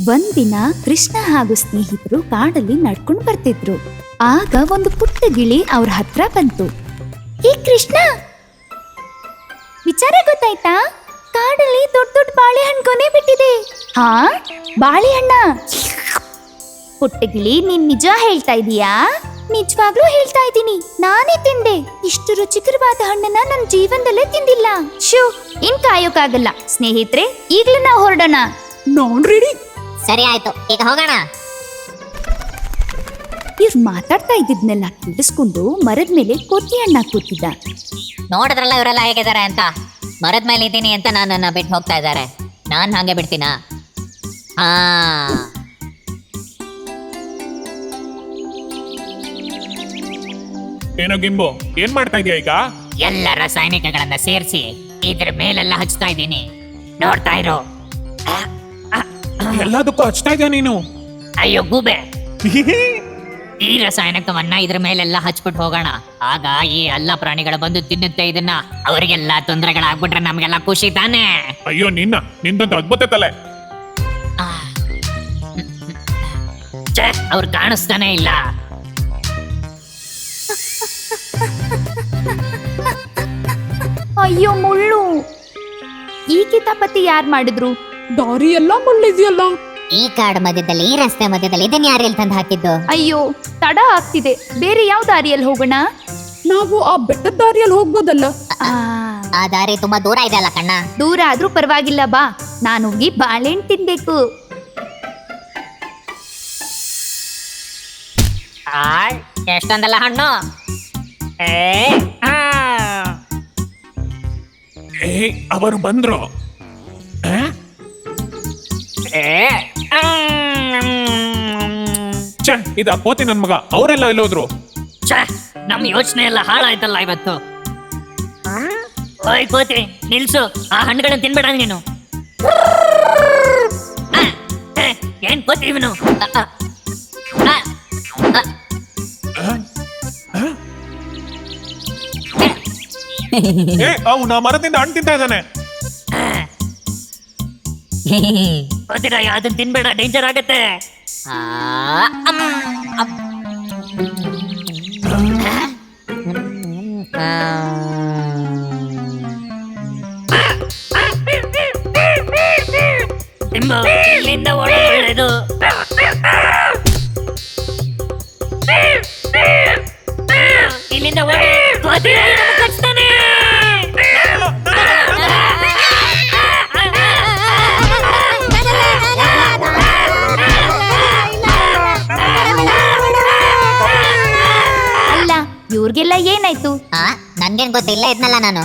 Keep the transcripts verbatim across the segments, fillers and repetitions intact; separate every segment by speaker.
Speaker 1: ಒಂದಿನ ಕೃಷ್ಣ ಹಾಗೂ ಸ್ನೇಹಿತರು ಕಾಡಲ್ಲಿ ನಡ್ಕೊಂಡು ಬರ್ತಿದ್ರು. ಆಗ ಒಂದು ಪುಟ್ಟ ಗಿಳಿ ಅವ್ರ ಹತ್ರ ಬಂತು. ಹೇ ಕೃಷ್ಣ, ವಿಚಾರ ಗೊತ್ತಾಯ್ತಾ? ಕಾಡಲ್ಲಿ ದೊಡ್ಡ ದೊಡ್ಡ ಬಾಳೆಹಣ್ಣು ಕೊನೆ ಬಿಟ್ಟಿದೆ. ಹಾ, ಬಾಳೆಹಣ್ಣ? ಪುಟ್ಟ ಗಿಳಿ, ನೀನ್ ನಿಜ ಹೇಳ್ತಾ ಇದೀಯಾ? ನಿಜವಾಗ್ಲೂ ಹೇಳ್ತಾ ಇದ್ದೀನಿ, ನಾನೇ ತಿಂದೆ. ಇಷ್ಟು ರುಚಿಕರವಾದ ಹಣ್ಣನ್ನ ನನ್ನ ಜೀವನದಲ್ಲೇ ತಿಂದಿಲ್ಲ. ಶೂ, ಇನ್ ಕಾಯೋಕಾಗಲ್ಲ. ಸ್ನೇಹಿತರೆ, ಈಗ್ಲೂ ನಾವು ಹೊರಡೋಣ.
Speaker 2: ನಾನ್ ರೆಡಿ.
Speaker 3: ಸರಿ ಆಯ್ತು, ಈಗ ಹೋಗೋಣ.
Speaker 1: ಇವ್ರು ಮಾತಾಡ್ತಾ ಇದ್ದಿದ್ನೆಲ್ಲ ಕೇಳಿಸ್ಕೊಂಡು ಮರದ ಮೇಲೆ ಕೋತಿ ಅಣ್ಣ ಕೂತಿದ್ದ.
Speaker 3: ನೋಡಿದ್ರಲ್ಲ ಇವರೆಲ್ಲ ಹೇಗಿದ್ದಾರೆ ಅಂತ. ಮರದ ಮೇಲೆ ಇದ್ದೀನಿ ಅಂತ ನನ್ನನ್ನ ಬಿಟ್ಟು ಹೋಗ್ತಾ ಇದ್ದಾರೆ. ನಾನ್ ಹಂಗೆ ಬಿಡ್ತೀನಾ? ಹಾ,
Speaker 4: ಏನೋ ಗಿಂಬು, ಏನ್ ಮಾಡ್ತಾ ಇದೀಯ ಈಗ?
Speaker 5: ಎಲ್ಲ ರಾಸಾಯನಿಕಗಳನ್ನ ಸೇರಿಸಿ ಇದ್ರ ಮೇಲೆಲ್ಲ ಹಚ್ತಾ ಇದ್ದೀನಿ, ನೋಡ್ತಾ ಇರೋ.
Speaker 4: ಎಲ್ಲದಕ್ಕೂ ಹಚ್ತಾ ಇದೀಯ ನೀನು?
Speaker 5: ಅಯ್ಯೋ ಗೂಬೆ, ಈ ರಾಸಾಯನಿಕವನ್ನ ಇದ್ರ ಮೇಲೆಲ್ಲ ಹಚ್ಬಿಟ್ಟು ಹೋಗೋಣ. ಆಗ ಈ ಎಲ್ಲ ಪ್ರಾಣಿಗಳು ಬಂದು ತಿನ್ನುತ್ತೆ ಇದನ್ನ. ಅವರಿಗೆಲ್ಲ ತೊಂದರೆಗಳಾಗ್ಬಿಟ್ರೆ ನಮ್ಗೆಲ್ಲ ಖುಷಿ ತಾನೆ.
Speaker 4: ಅಯ್ಯೋ ನಿನ್ನ, ನಿಂದೊಂದು ಅದ್ಭುತ ತಲೆ.
Speaker 5: ಅವ್ರು ಕಾಣಿಸ್ತಾನೆ ಇಲ್ಲ.
Speaker 1: ಅಯ್ಯೋ ಮುಳ್ಳು! ಈ ಕಿತಾಪತಿ ಯಾರ್ ಮಾಡಿದ್ರು?
Speaker 2: ದಾರಿ ಎಲ್ಲ ಮುಳ್ಳಿದ್ಯಲ್ಲ.
Speaker 3: ಈ ಕಾಡು ಮಧ್ಯದಲ್ಲಿ, ಈ ರಸ್ತೆ ಮಧ್ಯದಲ್ಲಿ ಇದನ್ನ ಯಾರು ಎಲ್ಲಿ ತಂದು ಹಾಕಿದ್ದು?
Speaker 1: ಅಯ್ಯೋ, ತಡ ಆಗ್ತಿದೆ. ಬೇರೆ ಯಾವ ದಾರಿಯಲ್ಲಿ ಹೋಗೋಣ?
Speaker 2: ನಾವು ಆ ಬೆಟ್ಟದ ದಾರಿಯಲ್ಲಿ ಹೋಗ್ಬೋದಲ್ಲ.
Speaker 1: ಆ,
Speaker 3: ಆ ದಾರಿ ತುಂಬಾ ದೂರ ಇದೆ ಅಲ್ಲ ಕಣ್ಣ.
Speaker 1: ದೂರ ಆದ್ರೂ ಪರವಾಗಿಲ್ಲ, ಬಾ. ನಾನು ಹೋಗಿ ಬಾಳೆಹಣ್ಣು ತಿನ್ಬೇಕು.
Speaker 5: ಎಷ್ಟೊಂದಲ್ಲ ಹಣ್ಣು. ಏ, ಆ.
Speaker 4: ಏ, ಅವರು ಬಂದ್ರು. ಆ?
Speaker 5: ಏ, ಆಮ್.
Speaker 4: ಛೆ, ಇದ ಕೋತಿ ನನ್ ಮಗ. ಅವರೆಲ್ಲ ಎಲ್ಲೋದ್ರು?
Speaker 5: ಛೆ, ನಮ್ ಯೋಚನೆ ಎಲ್ಲ ಹಾಳಾಯ್ತಲ್ಲ ಇವತ್ತು. ಓಯ್ ಕೋತಿ, ನಿಲ್ಸು. ಆ ಹಣ್ಣುಗಳನ್ನ ತಿನ್ಬೇಡ ನೀನು. ಆ, ಏ, ಏನ್ ಕೋತಿ ಇವನು?
Speaker 4: ಆ? ಆ? ಏ, ಅವ್ನ ಮರದಿಂದ ಹಣ್ಣು ತಿಂತಾ ಇದ್ದಾನೆ.
Speaker 5: ಕೋತಿರಾಯ, ಅದನ್ನ ತಿನ್ಬೇಡ, ಡೇಂಜರ್ ಆಗತ್ತೆ.
Speaker 3: ಆ, ಅಮ್, ಅಮ್. ಆ,
Speaker 5: ತಿಂಬು, ಇಲ್ಲಿಂದ ಓಡೋದು ಒಳ್ಳೇದು. ಇಲ್ಲಿಂದ ಓಡಿ, ಕೋತಿರಾಯ ನಮ್ಮನ್ನ ಕಚ್ತಾನೆ.
Speaker 1: ಅಲ್ಲ, ಇವ್ರಿಗೆಲ್ಲ ಏನಾಯ್ತು?
Speaker 3: ಆ, ನನ್ಗೇನ್ ಗೊತ್ತಿಲ್ಲ ಇದ್ನಲ್ಲ ನಾನು.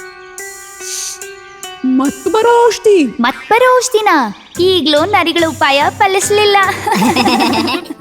Speaker 2: ಮತ್ ಬರೋ ಔಷಧಿ.
Speaker 1: ಮತ್ ಬರೋ ಔಷಧಿನ ಈಗ್ಲೂ ನರಿಗಳ ಉಪಾಯ ಫಲಿಸ್ಲಿಲ್ಲ.